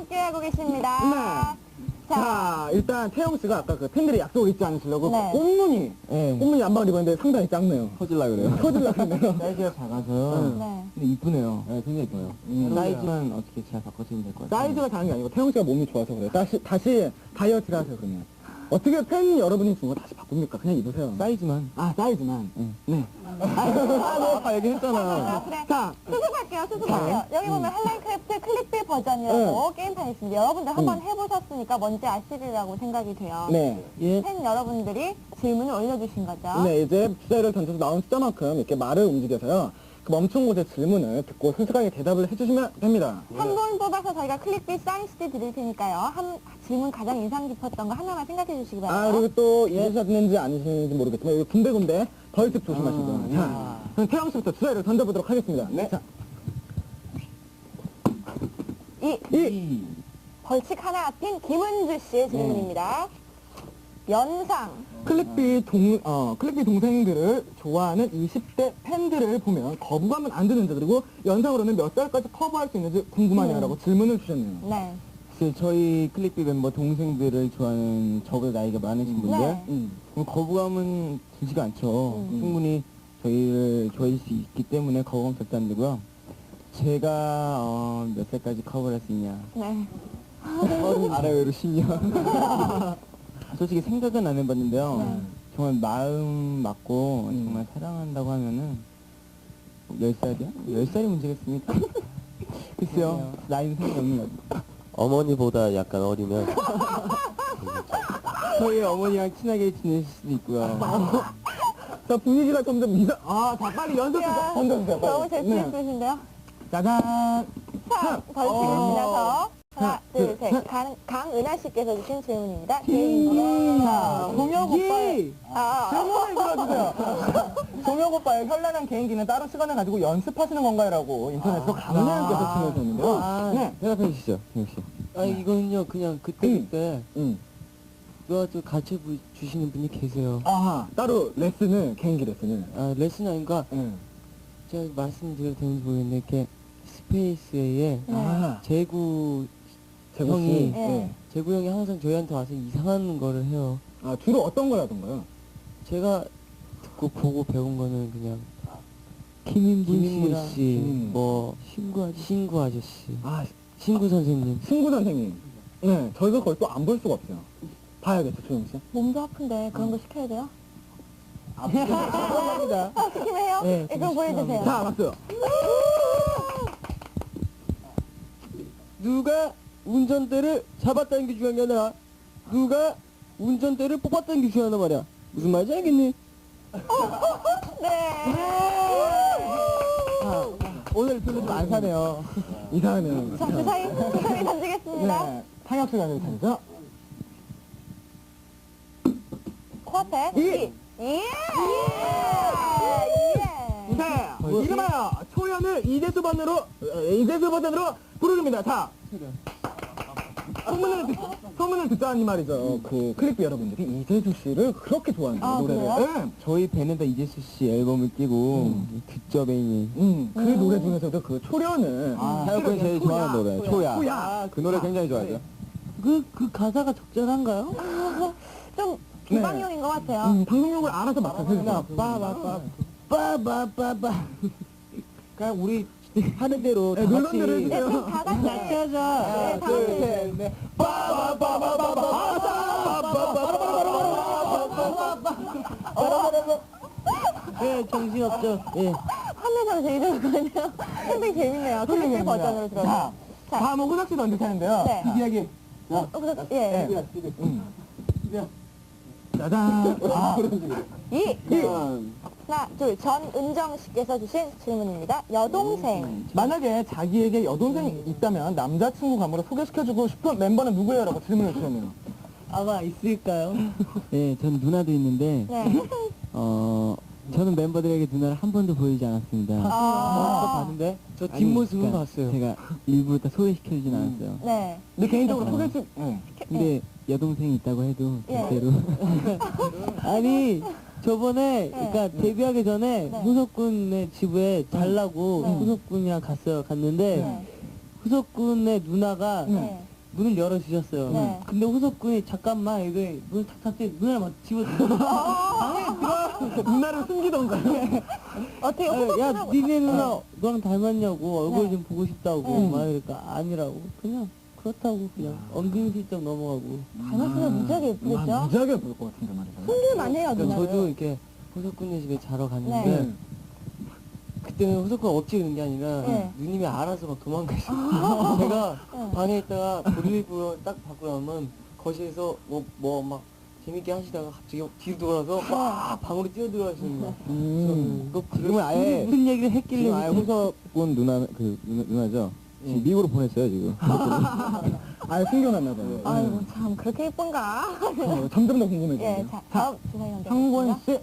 함께하고 계십니다. 자, 일단 태영 씨가 아까 그 팬들이 약속을 잊지 않으시려고 네. 꽃무늬 안방을 입었는데 상당히 작네요. 터질라 그래요. 터질라 그러네요. 사이즈가 작아서요. 네. 근데 이쁘네요. 네, 굉장히 이뻐요. 음. 사이즈만 어떻게 잘 바꿔주면 될 것 같아요. 사이즈가 작은 게 아니고 태영 씨가 몸이 좋아서 그래요. 다시 다이어트를 하세요, 그러면. 어떻게 팬 여러분이 준 거 다시 바꿉니까? 그냥 입으세요. 사이즈만. 아, 사이즈만. 응. 네. 아까 얘기했잖아. 그래. 자, 수습할게요. 여기 보면 한라인크래프트 클릭비 버전이라고 게임판이 있습니다. 여러분들 한번 해보셨으니까 뭔지 아시리라고 생각이 돼요. 네. 예. 팬 여러분들이 질문을 올려주신 거죠. 네, 이제 주제를 던져서 나온 숫자만큼 이렇게 말을 움직여서요. 그 멈춘 곳의 질문을 듣고 솔직하게 대답을 해주시면 됩니다. 한 분 뽑아서 저희가 클릭비 사인 CD 드릴 테니까요. 질문 가장 인상 깊었던 거 하나만 생각해 주시기 바랍니다. 아, 그리고 또 잊으셨는지 아니신지 모르겠지만 여기 군데군데 벌칙 조심하시고요. 자, 그럼 태영 씨부터 주제를 던져보도록 하겠습니다. 네. 자, 이 벌칙 하나 앞인 김은주 씨의 질문입니다. 연상. 클릭비 동생들을 좋아하는 20대 팬들을 보면 거부감은 안 드는지, 그리고 연상으로는 몇 살까지 커버할 수 있는지 궁금하냐라고 질문을 주셨네요. 네. 글쎄, 저희 클릭비 멤버 동생들을 좋아하는 저보다 나이가 많으신 분들 네. 그럼 거부감은 들지가 않죠. 충분히 저희를 좋아할 수 있기 때문에 거부감 절대 안 들고요. 제가 몇 살까지 커버할 수 있냐. 네. 아래외로 10년. 솔직히 생각은 안 해봤는데요. 정말 마음 맞고 정말 사랑한다고 하면은 10살이요? 10살이 문제겠습니까? 글쎄요. 나이는 상관없는 것 같아요. 어머니보다 약간 어리면 저희 어머니랑 친하게 지내실 수도 있고요. 자, 분위기가 점점 자, 빨리 연습 던져주세요. 빨리. 너무 재치 있으신데요? 짜잔. 자, 벌칙입니다. 더. 하나, 둘, 셋. 강은하 씨께서 주신 질문입니다. 개인기요. 동혁 오빠의 질문을 아, 들어주세요. 동혁 오빠의 현란한 개인기는 따로 시간을 가지고 연습하시는 건가요? 라고 인터넷에서 강은하님께서 질문을 줬는데요. 네. 대답해 주시죠, 정혁 씨. 아 이거는요 그냥 그때 누가 가르쳐 주시는 분이 계세요. 아하, 따로 개인기 레슨을. 아 레슨 아닌가? 제가 말씀드려도 되는지 모르겠는데 이렇게 스페이스에 아, 재구 재구 씨. 형이 네. 재구 형이 항상 저희한테 와서 이상한 거를 해요. 아, 주로 어떤 걸 하던가요? 제가 듣고 보고 배운 거는 그냥 김인분 씨, 뭐 신구 아저씨, 아, 신구 선생님. 친구 선생님. 네, 저희가 그걸 또 안 볼 수가 없어요. 봐야겠죠, 조영 씨? 몸도 아픈데 그런 거 시켜야 돼요? 감사합니다. 시키면 해요? 네, 네, 그럼 보여주세요. 자, 박수. 누가 운전대를 잡았다는 게 중요한 게 아니라 누가 운전대를 뽑았다는 게 중요하단 말이야. 무슨 말인지 알겠니? 네. 오늘 별로 좀 안 사네요. 이상하네요. 자, 주사위 던지겠습니다. 네, 상혁 시간을 차리죠. 코앞에. 이. 예! 네, 이름하여 초연을 이재수 버전으로 부르릅니다. 자, 소문을 듣자니 말이죠. 그 클릭비 여러분들이 이재수 씨를 그렇게 좋아한대요, 아, 노래를. 그래요? 네. 저희 밴에다 이재수 씨 앨범을 끼고 듣죠, 베인이. 그 노래 중에서도 그 초연을. 사역군이 제일 좋아하는 노래, 초야. 초야. 그 노래 굉장히 좋아하죠. 그 가사가 적절한가요? 좀 비방용인 것 같아요. 방송용을 알아서 맡아주세요. 빠바바바. 그냥 우리 하는 대로 다 물론 같이 들어주세요. 네, 다 같이. 같이 하자. 네, 다 같이. 넷. 네, 정신없죠. 예. 화면에서 되게 좋았거든요. 상당히 재밌네요. 클릭비 버전으로 들어서. 자, 다음은 호석 씨 던질 차례인데요. 네. 이 이야기. 예. 짜잔. 하나, 둘, 전은정 씨께서 주신 질문입니다. 여동생. 만약에 자기에게 여동생이 있다면 남자친구 감으로 소개시켜주고 싶은 멤버는 누구예요? 라고 질문을 주셨네요. 아마 있을까요? 네, 전 누나도 있는데 네. 저는 멤버들에게 누나를 한 번도 보이지 않았습니다. 봤는데? 저 뒷모습은 그러니까 봤어요. 제가 일부러 다 소개시켜주진 않았어요. 네. 근데 개인적으로 소개시, 근데 여동생이 있다고 해도 예. 절대로 아니, 저번에, 그러니까 데뷔하기 전에 네. 후석군의 집에 잘라고 네. 후석군이랑 갔어요. 갔는데, 네. 후석군의 누나가 네. 문을 열어주셨어요. 네. 근데 호섭 군이 잠깐만 이게 문을 탁 닫더니 눈을 막 집어들어. 방에 들어. 누나를 숨기던가요? 어떻게 야, 호흡하고 니네 누나 너랑 닮았냐고 얼굴 네. 좀 보고 싶다고 네. 막 이러니까 아니라고 그냥 그렇다고 그냥 엉금슬쩍 넘어가고. 닮았으면 무지하게 예쁘겠죠? 아, 무지하게 예쁠 것 같은데 말이죠. 숨길만 해요, 그러니까 누나를. 저도 이렇게 호섭 군네 집에 자러 갔는데 네. 그때는 호섭 군 억지로 그런 게 아니라 네. 누님이 알아서 막 도망가시고 제가 네. 방에 있다가 볼일부러 딱 받고 나면 거실에서 뭐 막 재밌게 하시다가 갑자기 뒤로 돌아서 막 방으로 뛰어들어가시는 거예요. 지금은 아예 무슨 얘기를 했길래 지금 아예 그때- 호섭군 누나죠. 지금 예. 미국으로 보냈어요 지금. 아예 숨겨놨나 봐요. 아이고, 참, 그렇게 예쁜가? 점점 더 궁금해지네요. 예, 자, 다음 주사위 연대. 황권 씨,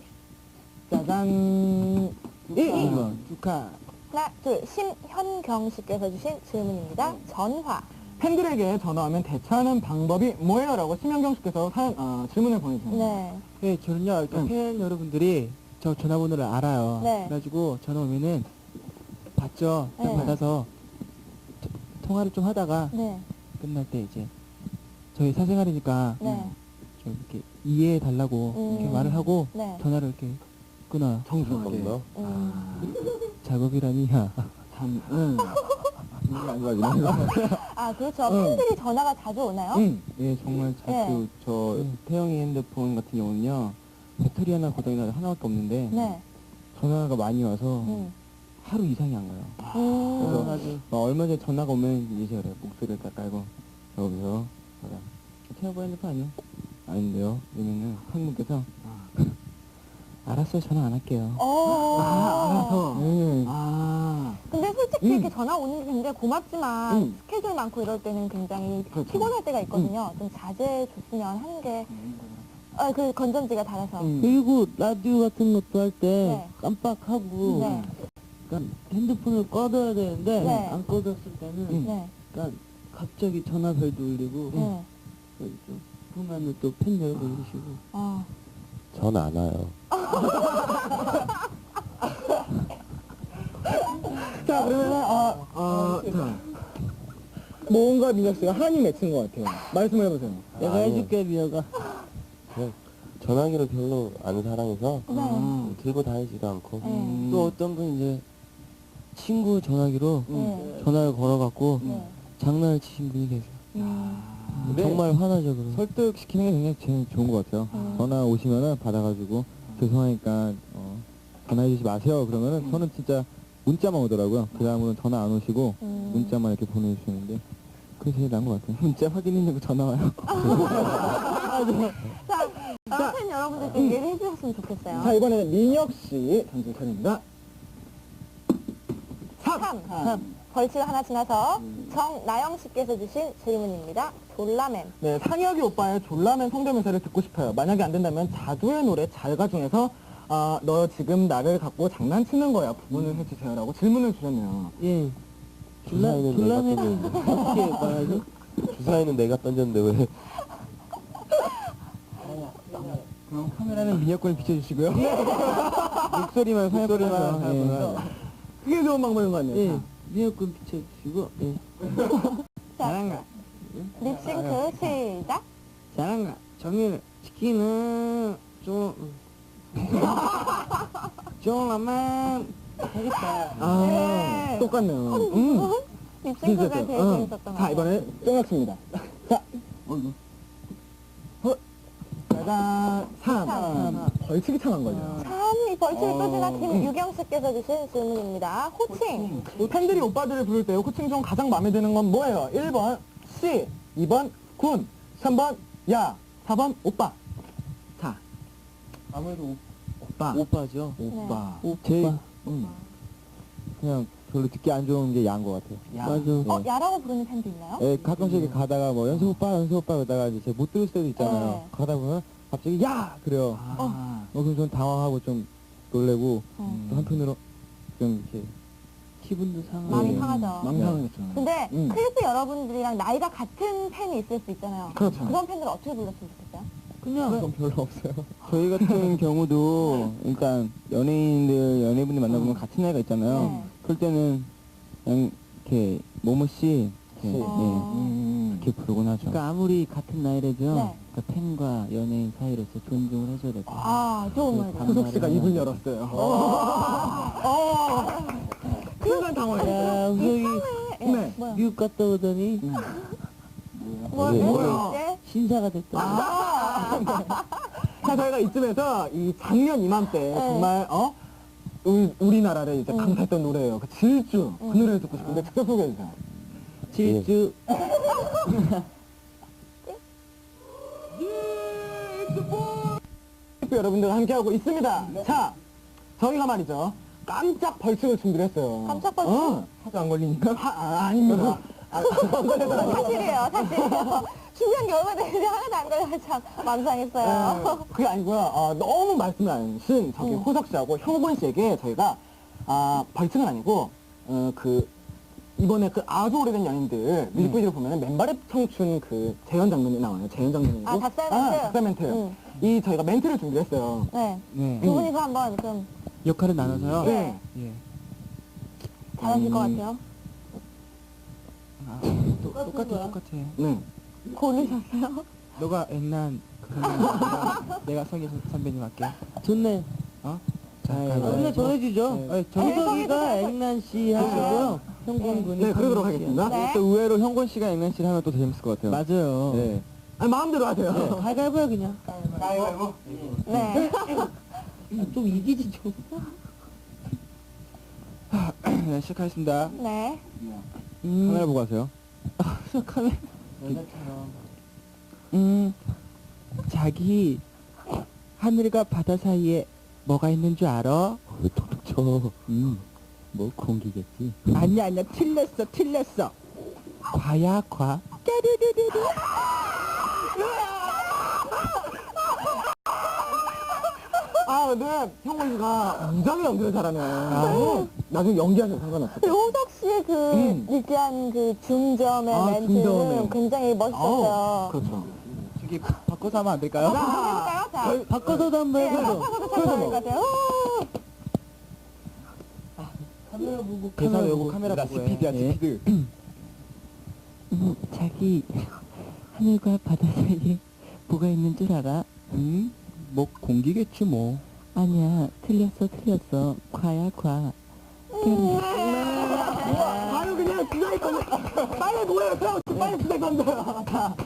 짜잔. 축하. 하나, 둘, 심현경 씨께서 주신 질문입니다. 전화. 팬들에게 전화하면 대처하는 방법이 뭐예요? 라고 심현경 씨께서 질문을 보내주셨네요. 네. 네, 저는요, 그러니까 팬 여러분들이 저 전화번호를 알아요. 네. 그래가지고 전화 오면은 받죠. 딱 네. 받아서 통화를 좀 하다가 네. 끝날 때 이제 저희 사생활이니까 네. 좀 이렇게 이해해 달라고 이렇게 말을 하고 네. 전화를 이렇게 끊어요. 정중하게. 작업이라니야. 참, 안 좋아지네. 아, 그렇죠. 팬들이 전화가 자주 오나요? 예, 정말 자주 네. 저 태영이 핸드폰 같은 경우는요 배터리 하나 고장이 나서 하나밖에 없는데 네. 전화가 많이 와서 음. 하루 이상이 안 가요. 음. 그래서 얼마 전에 전화가 오면 이제 그래 목소리를 딱 깔고 여기서 태영이 핸드폰 아니요? 아닌데요. 이러면은 한 분께서 알았어요, 전화 안 할게요. 알아서. 네. 근데 솔직히 이렇게 전화 오는 게 굉장히 고맙지만 스케줄 많고 이럴 때는 굉장히 그렇죠. 피곤할 때가 있거든요. 좀 자제해 줬으면 하는 게, 그 건전지가 닳아서. 그리고 라디오 같은 것도 할 때 네. 깜빡하고 네. 그러니까 핸드폰을 꺼둬야 되는데 네. 안 꺼뒀을 때는 네. 그러니까 갑자기 전화벨도 울리고 네. 좀 보면은 또 팬 여러분 계시고 아. 전 안 와요. 자, 그러면은, 자. 모험과 민혁 씨가 한이 맺힌 것 같아요. 말씀을 해보세요. 내가 해줄게 미어가. 전화기를 별로 안 사랑해서 네. 들고 다니지도 않고 네. 또 어떤 분 이제 친구 전화기로 네. 전화를 걸어갖고 네. 장난을 치신 분이 계세요. 근데 정말 화나죠 그럼. 설득시키는 게 굉장히 제일 좋은 것 같아요. 전화 오시면은 받아가지고 죄송하니까 전화해주지 마세요. 그러면은 저는 진짜 문자만 오더라고요. 그 다음으로는 전화 안 오시고 문자만 이렇게 보내주시는데 그게 제일 나은 것 같아요. 문자 확인했냐고 전화 와요. 자, 팬 여러분들께 얘기를 해주셨으면 좋겠어요. 자, 이번에는 민혁 씨 던질 차례입니다. 3. 벌칙을 하나 지나서 정나영 씨께서 주신 질문입니다. 졸라맨. 네, 상혁이 오빠의 졸라맨 성대묘사를 듣고 싶어요. 만약에 안 된다면 자두의 노래 잘가 중에서 너 지금 나를 갖고 장난치는 거야 부분을 해주세요라고 질문을 주셨네요. 예. 졸라맨은 어떻게 말하죠? 주사위는 내가 던졌는데 왜? 그럼 카메라는 민혁군을 비춰주시고요. 목소리만 목소리만 그게 좋은 방법인 것 같네요. 예. 미역국 비춰주시고 예. 자, 립싱크 시작. 잘한가. 정일 치킨은 좀 졸라맨 하겠다. 네. 똑같네요. 립싱크가 제일 재밌었던 것 자, 같아요. 이번에 쫑학습니다. 자, 짜잔, 3. 벌칙이 참한 거죠. 참, 이 벌칙을 또 지나 김유경 씨께서 주신 질문입니다. 호칭. 팬들이 오빠들을 부를 때 호칭 중 가장 마음에 드는 건 뭐예요? 1번 씨, 2번 군, 3번 야, 4번 오빠. 자, 아무래도 오빠. 오빠죠. 오빠. 제일 오빠. 그냥 별로 듣기 안 좋은 게 야인 것 같아요. 야. 맞아. 야라고 부르는 팬도 있나요? 예, 가끔씩 이렇게 가다가 뭐 연습 오빠 그러다가 이제 못 들을 때도 있잖아요. 네. 가다 보면 갑자기 야 그래요. 그럼 좀 당황하고 좀 놀래고 또 한편으로 좀 이렇게 기분도 상하고. 마음이 네. 상하죠. 망상하겠죠. 근데 음. 크리스 여러분들이랑 나이가 같은 팬이 있을 수 있잖아요. 그렇죠. 그런 팬들 어떻게 불렀으면 좋겠어요? 그냥 그건 별로 없어요. 저희 같은 경우도 일단 연예분들 만나보면 같은 나이가 있잖아요. 네. 그럴 때는 그냥 이렇게 모모 씨, 이렇게, 어. 예, 그렇게 부르곤 하죠. 그러니까 아무리 같은 나이라도요. 네. 그러니까 팬과 연예인 사이로서 존중을 해줘야 될 것 같아요. 아, 좋은 말이다. 후석 씨가 입을 열었어요. 순간 당황했어요. 야, 우석이 네. 뭐야? 미국 갔다 오더니 뭐야? 이제? 신사가 됐다. 자, 저희가 이쯤에서 이 작년 이맘때 정말 우리나라를 이제 강타했던 노래예요. 그 질주 그 노래를 듣고 싶은데 직접 소개해 주세요. 질주. 여러분들과 함께하고 있습니다. 자, 저희가 말이죠. 깜짝 벌칙을 준비를 했어요. 깜짝 벌칙? 하도 안 걸리니까? 아닙니다. 안 걸려서 사실이에요, 사실이에요. 준비한 게 얼마 되는데 하나도 안 걸려서 참 맘상했어요. 그게 아니고요. 너무 말씀을 안 하신 저기 호석 씨하고 형곤 씨에게 저희가 벌칙은 아니고 이번에 그 아주 오래된 연인들 뮤직비디오 보면은 맨발의 청춘 그 재현 장면이 나와요. 재현 장면이고. 아, 닭살 멘트? 닭살 멘트. 이 저희가 멘트를 준비했어요. 네. 네. 두 분이서 한번 좀 역할을 나눠서요. 네. 예. 잘하실 것 같아요. 아, 똑같아. 네. 고르셨어요? 너가 액난 내가 성희 선배님 할게. 좋네. 어? 자, 근데 정해주죠. 네, 정석이가 정해주세요. 액난 씨 하시고요. 형곤 군이 네, 그러도록 하겠습니다. 네. 또 의외로 형곤 씨가 액난 씨를 하면 또 재밌을 것 같아요. 맞아요. 네. 아니, 마음대로 하세요. 가위바위보야 그냥. 네. 좀 이기지 좀. 네, 시작하겠습니다. 네. 카메라 보고 하세요. 카메라. 자기 하늘과 바다 사이에 뭐가 있는 줄 알아? 왜 톡톡 쳐? 뭐 공기겠지. 아니야 틀렸어. 과야 과. 까르르르르. 근데 형곤 씨가 무지하게 연기를 잘하네. 나중에 연기하셔도 상관없어요. 그리고 호석 씨의 그 느끼한 그 중점의 멘트는 중점의. 굉장히 멋있었어요. 그렇죠. 저기 바꿔서 하면 안 될까요? 해볼까요? 자, 바꿔서도 한번 네, 해보죠. 바꿔서도 참 좋을 것 같아요. 카메라 보고 대사 외우고 보고. 카메라 보고 해. 스피드야, 예. 스피드. 자기 하늘과 바다 사이에 뭐가 있는 줄 알아? 뭐 공기겠지 뭐. 아니야 틀렸어. 과야 과. 아유, 그냥 주사위 건데. 빨리 뭐예요? 빨리 주사위 건데요.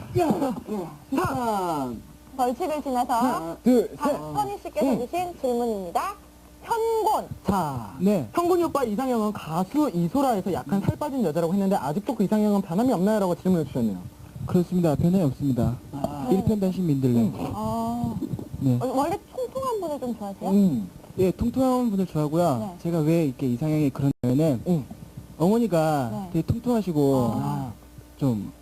자, 벌칙을 지나서 둘, 셋. 박선희 씨께서 주신 질문입니다. 현곤. 자, 네. 형곤이 오빠 이상형은 가수 이소라에서 약간 살 빠진 여자라고 했는데 아직도 그 이상형은 변함이 없나요? 라고 질문을 주셨네요. 그렇습니다. 변함이 없습니다. 일편단심 민들레. 아, 네. 원래 통통한 분을 좀 좋아하세요? 예, 통통한 분들 좋아하고요. 네. 제가 왜 이렇게 이상형이 그러냐면은 어머니가 네. 되게 통통하시고 아. 좀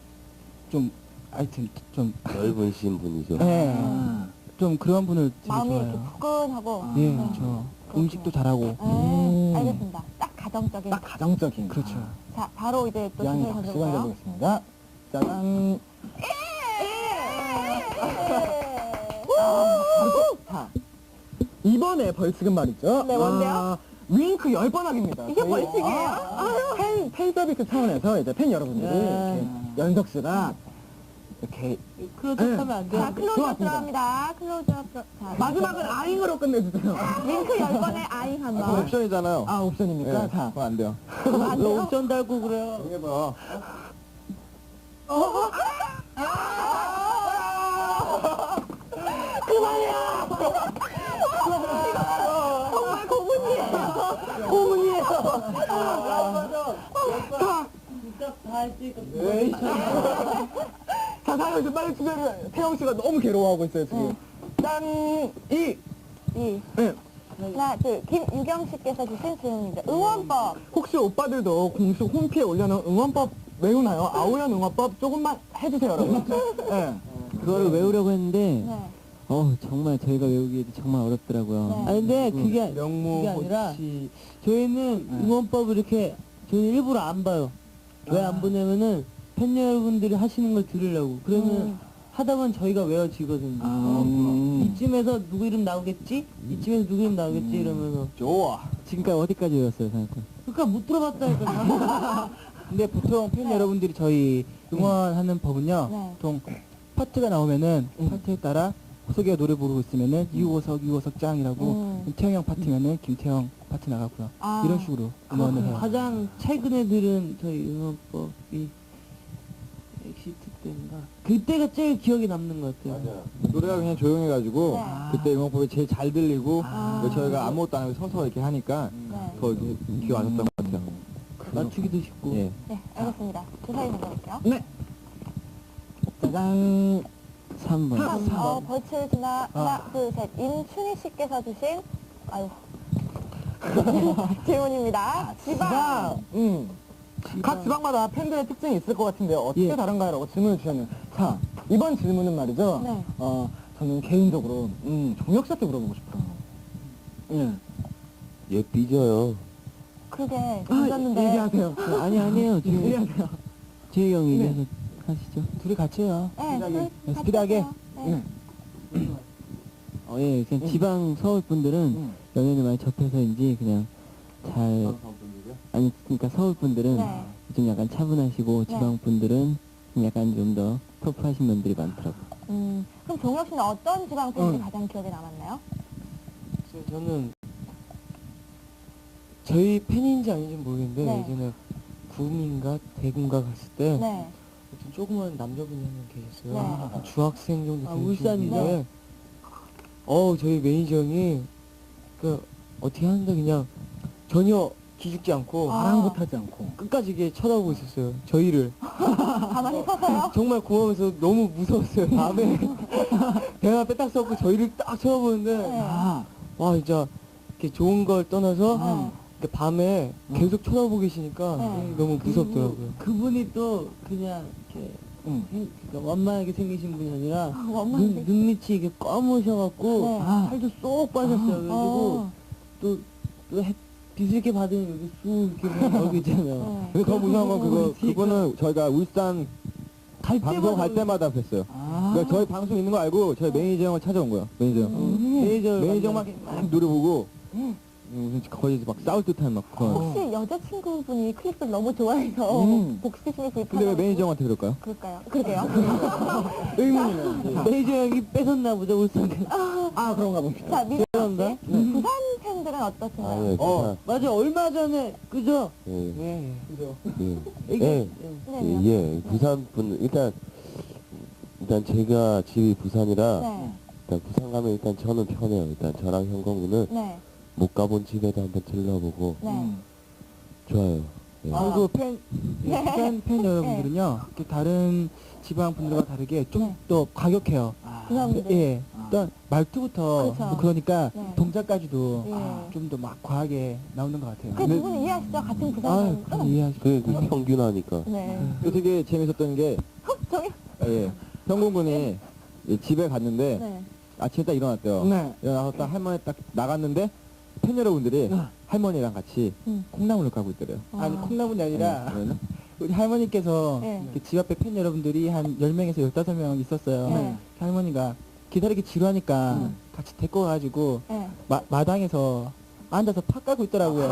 하여튼 좀 넓은 신분이죠. 예, 아. 좀 그런 분을 되게 마음이 이렇게 좋아해요. 푸근하고. 예, 네. 그렇죠. 음식도 잘하고. 네, 알겠습니다. 딱 가정적인. 딱 가정적인. 그렇죠. 자, 바로 이제 또 양이 질문 시간 던져볼까요? 내보겠습니다. 짜잔. 자, 이번에 벌칙은 말이죠. 네, 뭔데요? 윙크 10번 하기입니다. 이게 저희, 벌칙이에요? 팬 서비스 차원에서 이제 팬 여러분들이 네. 이렇게 연석 씨가 이렇게 클로즈업하면 안 자, 돼요? 클로즈업 좋았습니다. 들어갑니다. 클로즈업 자, 마지막은 아잉으로 끝내주세요. 링크 10번에 아잉 한 그건 번. 옵션이잖아요. 아, 옵션입니까? 네, 자, 그건 안 돼요. 안 왜 돼요? 옵션 달고 그래요? 해봐. 정말 고문이에요. 자, 사연 좀 빨리 주세요. 태영 씨가 너무 괴로워하고 있어요, 지금. 짠! 이! 이. 네. 하나, 둘. 김유경 씨께서 주신 질문입니다. 응원법. 혹시 오빠들도 공식 홈피에 올려놓은 응원법 외우나요? 아오연 응원법 조금만 해주세요, 여러분. 네. 그거를 외우려고 했는데 네. 정말 저희가 외우기에도 정말 어렵더라고요. 네. 아니 근데 그게 명모, 아니라 호치. 저희는 응원법을 이렇게 저희는 일부러 안 봐요. 왜 안 보냐면은 팬 여러분들이 하시는 걸 들으려고. 그러면 하다 보면 저희가 외워지거든요. 이쯤에서 누구 이름 나오겠지? 이쯤에서 누구 이름 나오겠지? 이러면서 좋아. 지금까지 어디까지 외웠어요, 생각해? 그러니까 못 들어봤다니까. 근데 보통 팬 여러분들이 저희 응원하는 법은요. 네. 보통 파트가 나오면은 파트에 따라 호석이가 노래 부르고 있으면은 유호석 짱이라고 태영 형 파트면은 김태형 파트 나가고요. 아. 이런 식으로 응원을 해요. 가장 최근에 들은 저희 응원법이 엑시트 때인가 그때가 제일 기억에 남는 것 같아요. 노래가 그냥 조용해가지고 네. 그때 응원법이 제일 잘 들리고 아. 그리고 저희가 아무것도 안 하고 서서 이렇게 하니까 네. 더 이렇게 기가 왔었던 것 같아요. 맞추기도 쉽고. 예. 네, 알겠습니다. 주사위 만들게요. 네. 짜잔. 3번. 벌칙을 지나 하나, 둘, 셋. 임춘희 씨께서 주신 아유 질문입니다. 지방. 각 지방마다 팬들의 특징이 있을 것 같은데 어떻게 예. 다른가요? 라고 질문을 주셨네요. 자, 이번 질문은 말이죠. 네. 저는 개인적으로 종혁 씨한테 물어보고 싶어요. 예. 얘 삐져요. 그게 던졌는데 얘기하세요. 아니에요. 지금 얘기하세요. 재희 형이 얘기해서 하시죠. 둘이 같이 해요. 네, 스피드하게. 네. 예, 그냥 지방 서울 분들은 연예인을 많이 접해서인지 그냥 잘 아니 그러니까 서울 분들은 네. 좀 약간 차분하시고 지방 분들은 좀 약간 좀 더 터프하신 분들이 많더라고요. 그럼 종혁 씨는 어떤 지방 팬들이 가장 기억에 남았나요? 저는 저희 팬인지 아닌지 모르겠는데 네. 예전에 구민가 대군가 갔을 때 네. 어떤 조그만 남자분이 한 명 계셨어요. 네. 한 중학생 정도 아, 되신 울산이죠? 분인데 저희 매니저 형이 그 어떻게 하는데 그냥 전혀 기죽지 않고 아랑곳하지 않고. 끝까지 이게 쳐다보고 있었어요. 저희를. 가만히 서서요? 정말 고마워서 너무 무서웠어요. 밤에 대화 빼딱 써고 저희를 딱 쳐다보는데 네. 와 진짜 이렇게 좋은 걸 떠나서 네. 이렇게 밤에 계속 쳐다보고 계시니까 네. 너무 무섭더라고요. 그분이 또 그냥 이렇게 그러니까 완만하게 생기신 분이 아니라 원만하게. 눈밑이 이게 검으셔갖고 네. 살도 쏙 빠졌어요. 그래가지고 또 빛을 이렇게 받으면 여기 쑥 이렇게 보면 여기 있잖아요. 근데 더 무서운 건 그거는 저희가 울산 방송 갈 때마다 뵀어요. 그러니까 저희 방송 있는 거 알고 저희 매니저 형을 찾아온 거예요. 매니저 형. 매니저 형만 막 노래 보고 무슨 거의 막 싸울 듯한 막 그런. 혹시 여자친구분이 클립을 너무 좋아해서 복수심이 불편하고 근데 왜 매니저 형한테 그럴까요? 그럴까요? 그러게요. 의문이네. 메이저 형이 뺏었나 보죠 울산. 그런가 봅니다. 자, 미정 죄송합니다. 씨. 부산 팬들은 어떠신가요? 아예 부산. 맞아 얼마 전에 그죠? 예. 네. 예. 예. 네. 예. 부산 분 일단 제가 집이 부산이라 네. 일단 부산 가면 일단 저는 편해요. 일단 저랑 형광군은 네. 못 가본 집에도 한번 들러보고 네. 좋아요. 예. 그리고 팬 여러분들은요 이렇게 다른 지방 분들과 다르게 좀 더 과격해요. 부산분들. 예. 일단 말투부터 그렇죠. 그러니까 네. 동작까지도 예. 좀 더 막 과하게 나오는 것 같아요. 그 두 분은 이해하시죠? 같은 부산 아, 팬. 그럼 이해하시죠. 그 평균하니까. 네. 그 되게 재밌었던 게 저기. 예. 형공군이 집에 갔는데 네. 아침에 딱 일어났대요. 네. 일어나서 딱 할머니 딱 나갔는데 팬 여러분들이 할머니랑 같이 콩나물을 까고 있더래요. 아니 콩나물이 아니라 네, 그러나? 우리 할머니께서 네. 이렇게 집 앞에 팬 여러분들이 한 10명에서 15명 있었어요. 네. 할머니가 기다리기 지루하니까 같이 데리고 가가지고 네. 마당에서 앉아서 파 까고 있더라고요.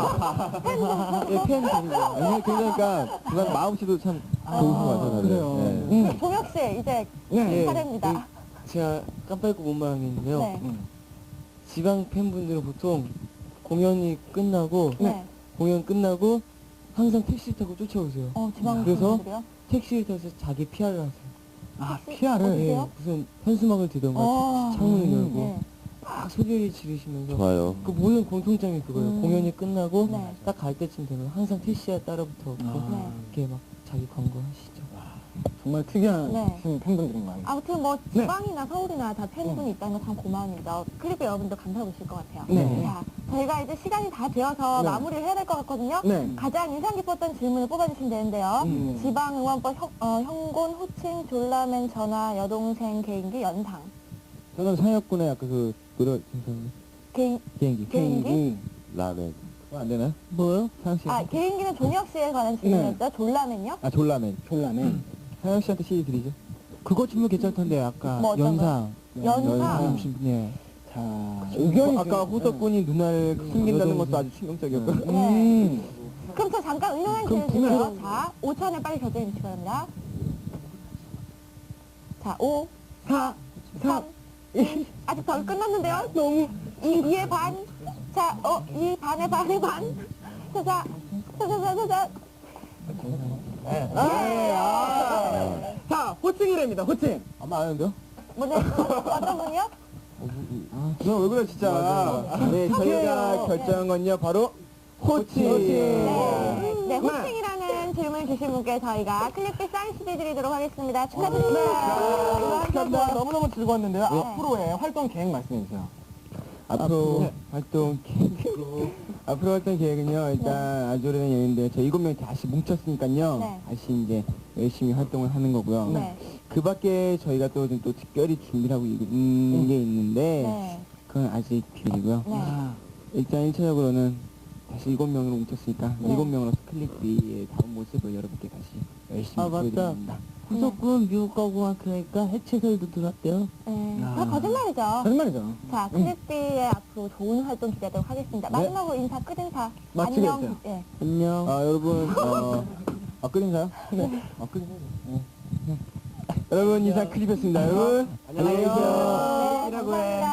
예, 팬 데리고. 아니, 그러니까 그런 마음씨도 참 좋은 것 같아요. 다들. 그래요. 예. 종혁 씨, 이제 네. 차례입니다. 제가 깜빡이고 못 말한 게 있는데요. 네. 지방 팬분들은 보통 공연이 끝나고 네. 공연 끝나고 항상 택시 타고 쫓아오세요. 지방 그래서? 팬들이요? 택시를 타서 자기 PR을 하세요. 피아를. 어때요? 무슨 현수막을 들던가 어. 창문을 열고 네. 막 소리를 지르시면서 좋아요. 그 모든 공통점이 그거예요. 공연이 끝나고 네. 딱 갈 때쯤 되면 항상 택시에 따라붙어 갖고 네. 이렇게 막 자기 광고하시죠. 정말 특이한 네. 팬분들인 것 같아요. 아무튼 뭐 지방이나 서울이나 다 팬분이 있다는 건 참 고마움입니다. 클립 여러분들 감사하고 있을 것 같아요. 네. 자, 저희가 이제 시간이 다 되어서 네. 마무리를 해야 될 것 같거든요. 네. 가장 인상 깊었던 질문을 뽑아주시면 되는데요. 지방 응원법 형곤, 호칭, 졸라맨, 전화, 여동생, 개인기, 연상. 저는 상혁군의 아까 그 노래 비행기. 개인기? 라멘. 그거 안 되나요? 뭐요? 상혁 씨. 개인기는 종혁 씨에 관한 질문이었죠. 졸라맨요? 아 졸라맨. 졸라네. 상혁 씨한테 CD 드리죠. 그거 질문 괜찮던데 아까 뭐 어떤 연상. 연상. 네. 자, 의견이 아까 좀- 호석군이 눈알 숨긴다는 것도 아주 충격적이었고. 네. 그럼 저 잠깐 응용한 그럼 질문 드릴게요. 자, 5천에 빨리 결정해 주시기 바랍니다. 자, 5, 4, 3, 2, 아직 덜 끝났는데요? 너무. 2의 반. 자, 2 반의 반의 반. 자. 자, 호칭이랍니다, 호칭. 아마 아는데요? 뭐네, 어떤 분이요? 너 왜 그래 진짜. 네, 저희가 결정한 건요 바로 호칭. 네, 호칭이라는 질문 주신 분께 저희가 클릭비 사인 CD 드리도록 하겠습니다. 축하드립니다. 감사합니다. 너무너무 즐거웠는데요. 앞으로의 활동 계획 말씀해 주세요. 앞으로 활동 앞으로 활동 계획은요 일단 아주 오래된 연인데 저희 7명이 다시 뭉쳤으니까요 네. 다시 이제 열심히 활동을 하는 거고요. 네. 그 밖에 저희가 또 특별히 준비를 하고 있는 게 있는데 네. 그건 아직 비밀이고요. 네. 일단 1차적으로는 다시 7명으로 뭉쳤으니까 네. 7명으로서 클릭비의 다음 모습을 여러분께 다시 열심히 아, 맞다. 보여드립니다. 후속군 미국 가고 그러니까 해체설도 들었대요. 네. 다 거짓말이죠. 거짓말이죠. 자, 클릭비의 앞으로 좋은 활동 기대하도록 하겠습니다. 마지막으로 인사, 끝인사. 마치겠어요. 안녕. 예. 안녕. 여러분 끝인가요? 네. 끝인가요? 네. 여러분 인사 클립이었습니다. 여러분 안녕히 계세요. 네, 감사합니다.